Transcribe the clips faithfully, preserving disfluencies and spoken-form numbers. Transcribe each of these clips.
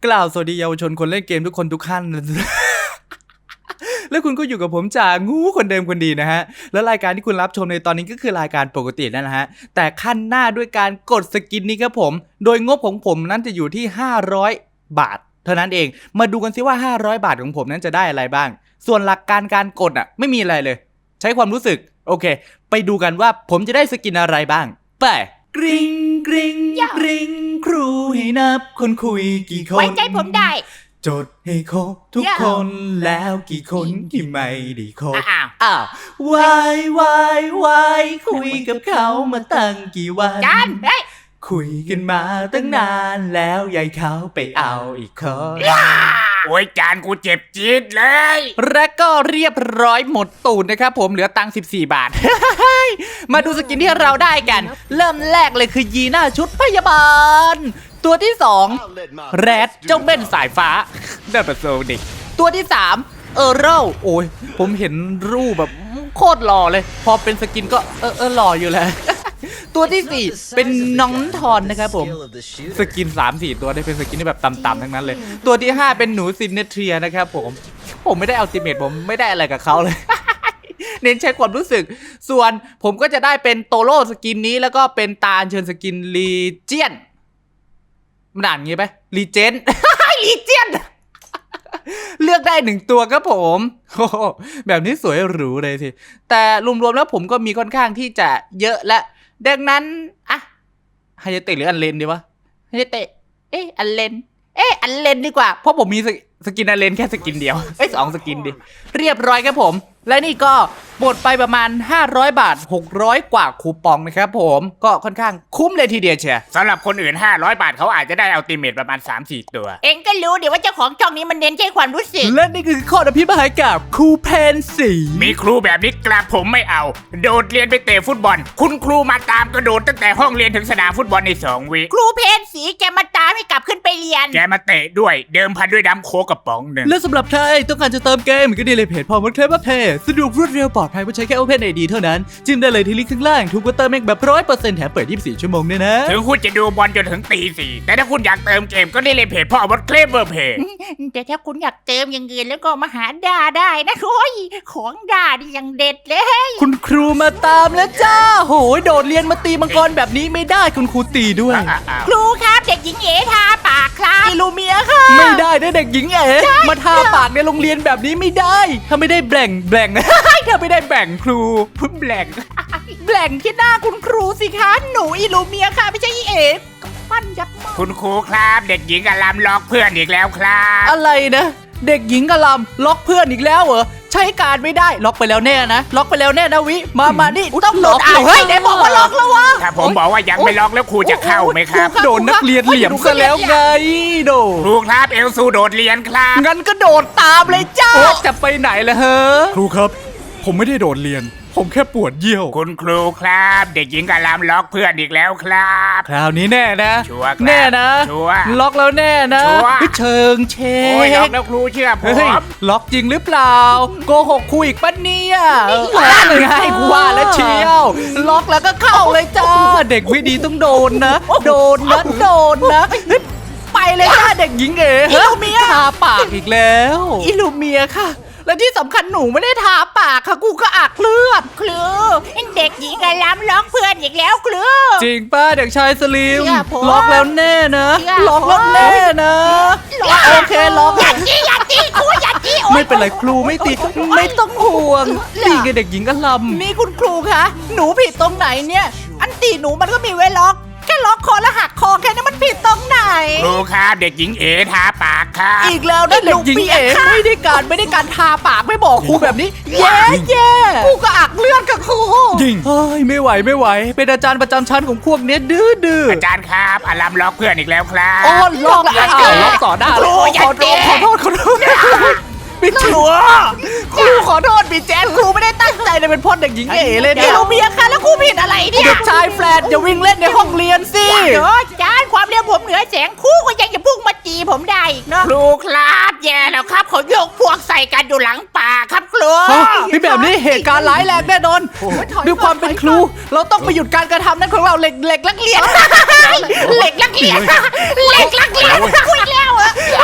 กล่าวสวัสดีเยาวชนคนเล่นเกมทุกคนทุกขั้น แล้วคุณก็อยู่กับผมจ่างูคนเดิมคนดีนะฮะแล้วรายการที่คุณรับชมในตอนนี้ก็คือรายการปกตินั่นแหละฮะแต่ขั้นหน้าด้วยการกดสกินนี้ครับผมโดยงบของผมนั้นจะอยู่ที่ห้าร้อยบาทเท่านั้นเองมาดูกันซิว่าห้าร้อยบาทของผมนั้นจะได้อะไรบ้างส่วนหลักการการกดอ่ะไม่มีอะไรเลยใช้ความรู้สึกโอเคไปดูกันว่าผมจะได้สกินอะไรบ้างไปกริ๊งกริ๊งกริ๊งครูให้นับคนคุยกี่คนไว้ใจผมได้จดให้ครบทุกคนแล้วกี่คนที่ไม่ได้ครบอ้าวอ้าววายวายวายคุยกับเขามาตั้งกี่วันจานเฮ้ยคุยกันมาตั้งนานแล้วยายเขาไปเอาอีกคนโอ้ยจานกูเจ็บจี๊ดเลยและก็เรียบร้อยหมดตูดนะครับผมเหลือตังค์สิบสี่บาท มาดูสกินที่เราได้กันเริ่มแรกเลยคือยีน่าชุดพยาบาลตัวที่สองแรดเจ้าเบ้นสายฟ้าได้ประโซดิตัวที่สามเออเร่าโอ้ยผมเห็นรูปแบบโคตรหล่อเลยพอเป็นสกินก็เออเออหล่ออยู่แหละ ตัวที่สี่เป็นน้องทอนนะครับผมสกิน สามสี่ ตัวได้เป็นสกินที่แบบต่ำๆทั้งนั้นเลยตัวที่ห้าเป็นหนูซินเนเทรียนะครับผมผมไม่ได้อัลติเมทผมไม่ได้อะไรกับเขาเลย เน้นใช้ความรู้สึกส่วนผมก็จะได้เป็นโตโร่สกินนี้แล้วก็เป็นตาเชิญสกินลีเจียนมันอ่านงี้ไหมลีเจน ลีเจียน เลือกได้หนึ่งตัวครับผมแบบนี้สวยหรูเลยทีแต่รวมๆแล้วผมก็มีค่อนข้างที่จะเยอะและดังนั้นอะไฮเตะหรืออันเลนดีวะไฮเตะเอ๊ะอันเลนเอ๊ะอันเลนดีกว่าเพราะผมมีสกินอันเลนแค่สกินเดียวเอ้ยสองสกินดิเรียบร้อยครับผมและนี่ก็หมดไปประมาณห้าร้อยบาทหกร้อยกว่าคูปองนะครับผมก็ค่อนข้างคุ้มเลยทีเดียวเชียวสำหรับคนอื่นห้าร้อยบาทเขาอาจจะได้อัลติเมทประมาณ สามสี่ ตัวเองก็รู้เดี๋ยวว่าเจ้าของช่องนี้มันเน้นใช้ความรู้สึกและนี่คือข้ออภิปรายกับครูเพนสีมีครูแบบนี้กราบผมไม่เอาโดดเรียนไปเตะฟุตบอลคุณครูมาตามกระโดดตั้งแต่ห้องเรียนถึงสนามฟุตบอลในสองวิครูเพนสีแกมาตามให้กลับขึ้นไปเรียนแกมาเตะด้วยเดิมพันด้วยน้ำโค้กกระป๋องหนึ่งและสำหรับใครต้องการจะเติมเกมก็ดีเลยเพจพอมดเคลมเพจสะดวกรวดเร็วปลอดภัยเพราะใช้แค่ Open ไอ ดี เท่านั้นจิ้มได้เลยที่ลิงก์ข้างล่างทุกวันเติมเองแบบ ร้อยเปอร์เซ็นต์ แถมเปิดยี่สิบสี่ชั่วโมงเนี่ยนะถึงคุณจะดูบอลจนถึงตีสี่แต่ถ้าคุณอยากเติมเกมก็ได้เลยเพจพ่อมดเคลมเพจแต่ถ้าคุณอยากเติมอย่างอื่นแล้วก็มาหาด่าได้นะโอ้ยของด่านี่ยังเด็ดเลยคุณครูมาตามแล้วจ้าโหยโดดเรียนมาตีมังกรแบบนี้ไม่ได้คุณครูตีด้วยครูครับเด็กหญิงเอ๋ทาปากครับอิลูเมียค่ะไม่ได้ได้เด็กหญิงเอ๋มาทาปากในโรงเรียนแบบนี้ไม่ได้ถ้าไม่ได้แบ่งแบ่งถ้าไม่ได้แบ่งครูพึ่งแบ่งแบ่งที่หน้าคุณครูสิคะหนูอิลูเมียค่ะไม่ใช่เอ๋ปั้นยับคุณครูครับเด็กหญิงกำลังล็อกเพื่อนอีกแล้วครับอะไรนะเด็กหญิงกำลังล็อกเพื่อนอีกแล้วเหรอใช้การไม่ได้ล็อกไปแล้วแน่นะล็อกไปแล้วแน่นะวิมามานี่ต้องล็อกเฮ้ยไหนบอกว่าล็อกแล้ววะถ้าผมบอกว่ายังไม่ล็อกแล้วครูจะเข้าไหมครับโดนนักเรียนเหลี่ยมซะแล้วไงโดครูครับเอลซูโดดเรียนครับงั้นก็โดดตามเลยจ้าจะไปไหนล่ะเฮ้อครูครับผมไม่ได้โดดเรียนผมแค่ปวดเยี่ยวคุณครูครับเด็กหญิงกำลังล็อกเพื่อนอีกแล้วครับคราวนี้แน่นะชัวร์แน่นะชัวร์ล็อกแล้วแน่นะเชิงเชโอ้ยล็อกแล้วครูเชื่อผมล็อกจริงหรือเปล่าโกหกครูอีกปะเนี่ยล็อกเลยให้กูว่าแล้วเชียวล็อกแล้วก็เข้าเลยจ้าเด็กไม่ดีต้องโดนนะโดนนะโดนนะไปเลยจ้าเด็กหญิงเอ๋อิลูเมียทาปากอีกแล้วอิลูเมียค่ะและที่สำคัญหนูไม่ได้ทาปากค่ะกูก็อักเลือดครูเด็กหญิงกำลังล็อกเพื่อนอีกแล้วครูจริงป้าเด็กชายสลิมล็อกแล้วแน่นะล็อกแล้วแน่นะโอเคล็อกอย่าจี้อย่าจี้ครูอย่าจี้ไม่เป็นไรครูไม่ตีไม่ต้องห่วงตีกับเด็กหญิงอลัมนี่คุณครูคะหนูผิดตรงไหนเนี่ยอันตีหนูมันก็มีไว้ล็อกแค่ล็อกคอแล้วหักคอแค่นี้มันผิดตรงไหนครูครับเด็กหญิงเอ๋ทาปากครับอีกแล้วนะเด็กหญิงเอ๋ไม่ได้การไม่ได้การทาปากไม่บอกครูแบบนี้แย่แย่ครูก็อักเลือดกับครูจริงเฮ้ยไม่ไหวไม่ไหวเป็นอาจารย์ประจำชั้นของพวกนี้ดื้อดื้ออาจารย์ครับอลัมล็อกเพื่อนอีกแล้วครับอ๋อล็อกแล้วล็อกต่อหน้าครูอย่าเตะขอโทษขอโทษพี่ชัวครูขอโทษพี่แจ๊คครูไม่ได้ตั้งใจเลยเป็นพ่อเด็กหญิงเอ๋เลยเนี่ยเราเมียค่ะแล้วครูผิดอะไรเนี่ยเด็กชายแฟลตอย่าวิ่งเล่นในห้องเรียนสิเดี๋ยวจานความเรียนผมเหนือแสงครูก็ยังจะพุ่งมาจีผมได้อีกเนาะครูครับแย่แล้วครับเขาโยกพวกใส่กันอยู่หลังป่าครับครูพี่แบบนี้เหตุการณ์ร้ายแรงแน่นอนด้วยความเป็นครูเราต้องไปหยุดการกระทำนั้นของเราเหล็กเหล็กนักเรียนเหล็กนักเรียนเหล็กนักเรียนคุยแล้วเหรอ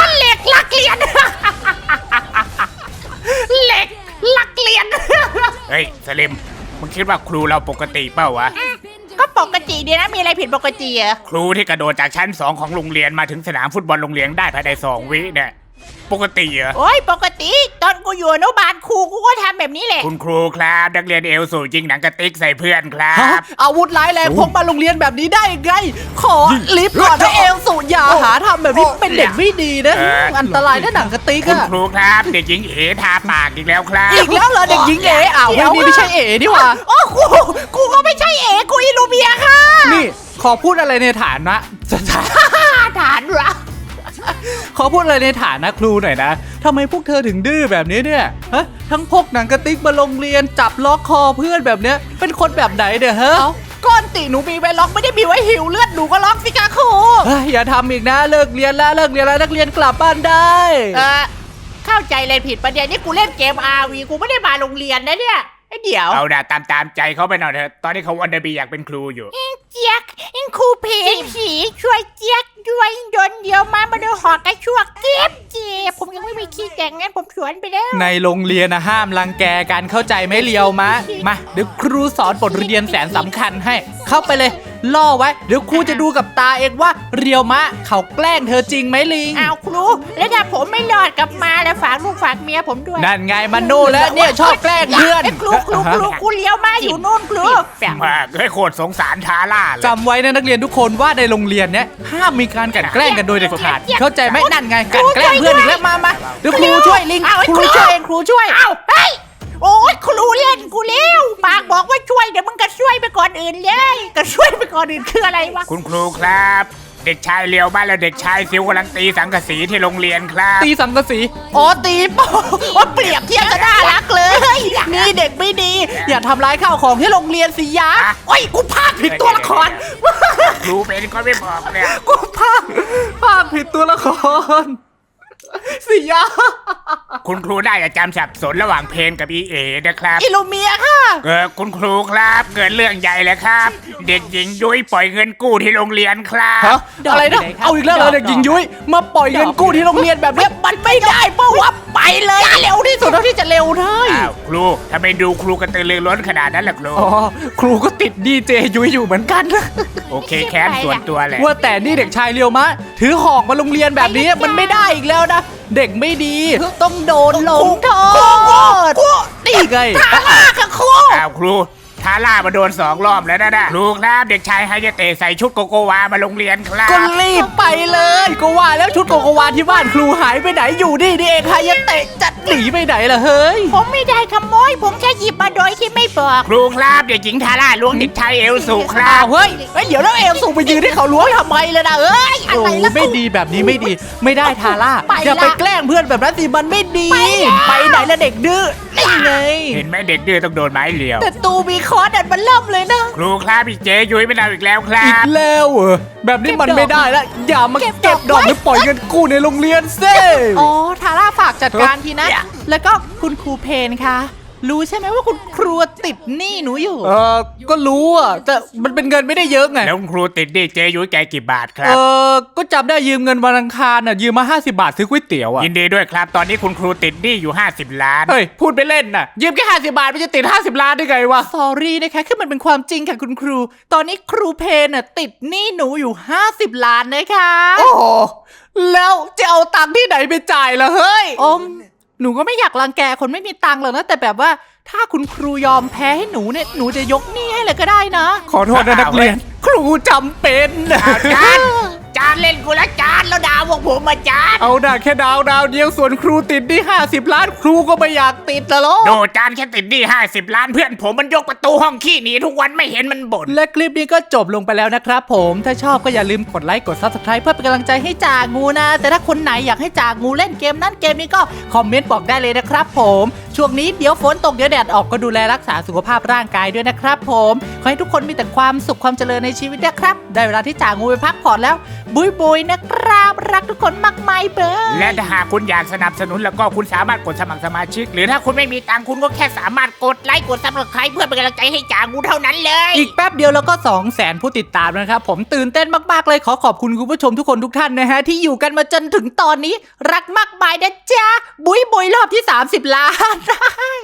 สลิมมึงคิดว่าครูเราปกติเปล่าวะก็ปกติดีนะมีอะไรผิดปกติอะครูที่กระโดดจากชั้นสองของโรงเรียนมาถึงสนามฟุตบอลโรงเรียนได้ภายในสองวิเนี่ยปกติเหรอโอ้ยปกติตอนกูอยู่อนุบาลครูกูก็ทำแบบนี้แหละคุณครูครับนักเรียนเอลสูยิงหนังกระติกใส่เพื่อนครัฮะบอาวุธร้ายแรงพกมาโรงเรียนแบบนี้ได้ไง ขอลิฟต์ก่อนนะเอลสูอย่าหาทำแบบนี้เป็นเด็กไม่ดีนะเอออันตรายนะหนังกระติกคุณอะครูครับเด็กหญิงเอทาปากอีกแล้วครับอีกแล้วเหรอเด็กหญิงเอ๋อ้าววันนี้ไม่ใช่เอ๋นี่หว่าโอ้กูกูก็ไม่ใช่เอกูอิลูเมียค่ะนี่ขอพูดอะไรในฐานะฐานวะขอพูดอะไรในฐานะครูหน่อยนะทำไมพวกเธอถึงดื้อแบบนี้เนี่ยฮะทั้งพกหนังกระติกมาโรงเรียนจับล็อกคอเพื่อนแบบเนี้ยเป็นคนแบบไหนเด้อฮะก้อนติหนูมีไว้ล็อกไม่ได้มีไว้หิวเลือดหนูก็ล็อกสิคะครูเฮ้ยอย่าทำอีกนะเลิกเรียนแล้วเลิกเรียนแล้วนักเรียนกลับบ้านได้เออเข้าใจเลยผิดประเด็นนี่กูเล่นเกม อาร์ วี กูไม่ได้มาโรงเรียนนะเนี่ยไอ้เดี๋ยวเอาด่าตามตามใจเขาไปหน่อยเถอะตอนนี้เขาวันเดอร์บีอยากเป็นครูอยู่เจี๊ยกอิงครูเพนผีช่วยเจี๊ยกด้วยโดนเดียวมามาดูหอกระชวกเจ็บเจ็บผมยังไม่มีขี้แต่งงั้นผมสวนไปแล้วในโรงเรียนนะห้ามรังแกกันเข้าใจไหมเลียวมะมาเดี๋ยวครูสอนบทเรียนแสนสำคัญให้ เข้าไปเลยล่อไว้เดี๋ยวครูจะดูกับตาเองว่าเรียวมะเขาแกล้งเธอจริงไหมลิงอ้าวครูแล้วถ้าผมไม่รอดกลับมาแล้วฝากลูกฝากเมียผมด้วยนั่นไงมันโน่แล้วเนี่ยชอบแกล้งเพื่อนไอ้ครูครูครูครูเลี้ยวมาอยู่นู่นครูมากเฮ้ยโคตรสงสารทาร่าเลยจำไว้นะนักเรียนทุกคนว่าในโรงเรียนเนี้ยห้ามมีการกลั่นแกล้งกันโดยเด็ดขาดเข้าใจไหมนั่นไงกลั่นแกล้งเพื่อนอีกแล้วมามาเดี๋ยวครูช่วยลิงอ้าวไอ้ครูช่วยเองครูช่วยอ้าวเฮ้ยโอ้ยครูเล่นกูเลี้ยวปากบอกว่าช่วยเดี๋ยวมึงก็ช่วยไปก่อนอื่นเลยก็ช่วยไปก่อนอื่นคืออะไรวะคุณครูครับ เด็กชายเลียวบ้านและเด็กชายซิวกำลังตีสังกะสีที่โรงเรียนครับตีสังกะสีอ๋อตีโป้ว่าเปรียบเทียบจะน่ารักเลยนี่เด็กไม่ดี อย่าทำร้ายข้าวของที่โรงเรียนสิยะโอ้ยกูพลาดผิดตัวละครครูเป็นก็ไม่บอกเลยอะกูพากพากผิดตัวละครสิยะคุณครูได้จะจำสับสนระหว่างเพนกับอีเอนะครับอิลูเมียค่ะเออคุณครูครับเกิดเรื่องใหญ่เลยครับ เด็กหญิงยุ้ยปล่อยเงินกู้ที่โรงเรียนครับฮะอะไรนะเอาอีกแล้วเหรอเด็กหญิงยุ้ยมาปล่อยเงินกู้ที่โรงเรียนแบบเนี้ยมันไม่ได้เพราะว่าไปเลยเร็วที่สุดเท่าที่จะเร็วได้อ้าวครูทำไมดูครูกระตือรือร้นขนาดนั้นล่ะครูอ๋อครูก็ติดดีเจยุ้ยอยู่เหมือนกันโอเคแค้นส่วนตัวแหละว่าแต่นี่เด็กชายเรียวมะ ถือหอกมาโรงเรียนแบบนี้มันไม่ได้อีกแล้วนะ เด็กไม่ดีต้องโดนลงโทษนี่ไงค่ะครูอ้าวครูทาร่ามาโดนสองรอบแล้วนะนะครูครับเด็กชายไฮายาเตะใส่ชุดโกโกวามาโรงเรียนครับก็รีบไปเลย ก็ว่าแล้วชุดโกโกวาที่บ้านครูหายไปไหนอยู่นี่นี่เองใครจะเตะจัดหนีไปไหนล่ะเฮ้ยผมไม่ได้ขโมยผมแค่หยิบมาโดยที่ไม่บอกครูครับเด็กหญิงทาร่าล้วงเด็กชายเอลสูครัอ้าบวเฮ้ยเฮ้ยเดี๋ยวแล้วเอลสูไปยืนให้เขาล้วงทำไมเลยนะเอ้ยอะไรโอ้ล่ะไม่ดีแบบนี้ไม่ดีไม่ได้ทาร่าไปละอย่าไปแกล้งเพื่อนแบบนั้นสิมันไม่ดีไปแล้วไปไหนละเด็กดื้อนี่ไงเห็นไหมเด็กดื้อต้องโดนไม้เหลียวแต่ตูมีคอร์ดอันมันเริ่มเลยนะครูครับพี่เจยุ้ยไม่เอาอีกแล้วครัอีกบแล้วเหรอแบบนี้มันไม่ได้แล้วอย่ามาเก็บเก็บดอกไว้หรือปล่อยเงินกู้ในโรงเรียนเซ่อ๋อทาร่าฝากจัดการทีนะ แล้วก็คุณครูเพนคะรู้ใช่ไหมว่าคุณครูติดหนี้หนูอยู่เออก็รู้อ่ะแต่มันเป็นเงินไม่ได้เยอะไงแล้วคุณครูติดดิเจยุ้ยแกกี่บาทคเอรับอก็จำได้ยืมเงินวันอังคารน่ะยืมมาห้าสิบบาทซื้อก๋วยเตี๋ยวอ่ะยินดีด้วยครับ ตอนนี้คุณครูติดหนี้อยู่ห้าสิบล้านเฮ้ยพูดไปเล่นน่ะยืมแค่ห้าสิบบาทมันจะติดห้าสิบล้านได้ไงวะ สอรี่นะคะคือมันเป็นความจริงค่ะคุณครู ตอนนี้ครูเพนน่ะติดหนี้หนูอยู่ห้าสิบล้านนะคะโอ้โหแล้วจะเอาตังค์ที่ไหนไปจ่ายล่ะเฮ้ยอมหนูก็ไม่อยากรังแกคนไม่มีตังค์หรอกนะแต่แบบว่าถ้าคุณครูยอมแพ้ให้หนูเนี่ยหนูจะยกหนี้ให้เลยก็ได้นะขอโทษนะนักเรียน ครูจำเป็นจานจานเล่นกูละจานแล้วด่าพวกผมมาจานเอาด่าแค่ดาวดาวเดียวส่วนครูติดนี่ห้าสิบล้านครูก็ไม่อยากติดละล้อโดจานแค่ติดหนี้ห้าสิบล้านเพื่อนผมมันยกประตูห้องขี้หนีทุกวันไม่เห็นมันบ่นและคลิปนี้ก็จบลงไปแล้วนะครับผมถ้าชอบก็อย่าลืมกดไลค์กด ซับสไครบ์ เพื่อเป็นกำลังใจให้จ่างูนะ แต่ถ้าคนไหนอยากให้จ่างูเล่นเกมนั้นเกมนี้ก็คอมเมนต์บอกได้เลยนะครับผมช่วงนี้เดี๋ยวฝนตกเดี๋ยวแดดออกก็ดูแลรักษาสุขภาพร่างกายด้วยนะครับผมขอให้ทุกคนมีแต่ความสุขความเจริญในชีวิตนะครับได้เวลาที่จ่างูไปพักผ่อนแล้วบุยบุยนะครับรักทุกคนมากมายเบอร์และถ้าหากคุณอยากสนับสนุนแล้วก็คุณสามารถกดสมัครสมาชิก หรือถ้าคุณไม่มีตังค์คุณก็แค่สามารถกดไลค์กดซับสไครป์เพื่อเป็นกำลังใจให้จ่างูเท่านั้นเลยอีกแป๊บเดียวแล้วก็2 0 0 0 0 0 ผู้ติดตามนะครับผมตื่นเต้นมากๆเลยขอขอบคุณคุณผู้ชมทุกคนทุกท่านนะฮะที่อยู่กันมาจนถึงตอนนี้รักมากมายนะจ๊ะบุยบุยรอบที่สามสิบล้าน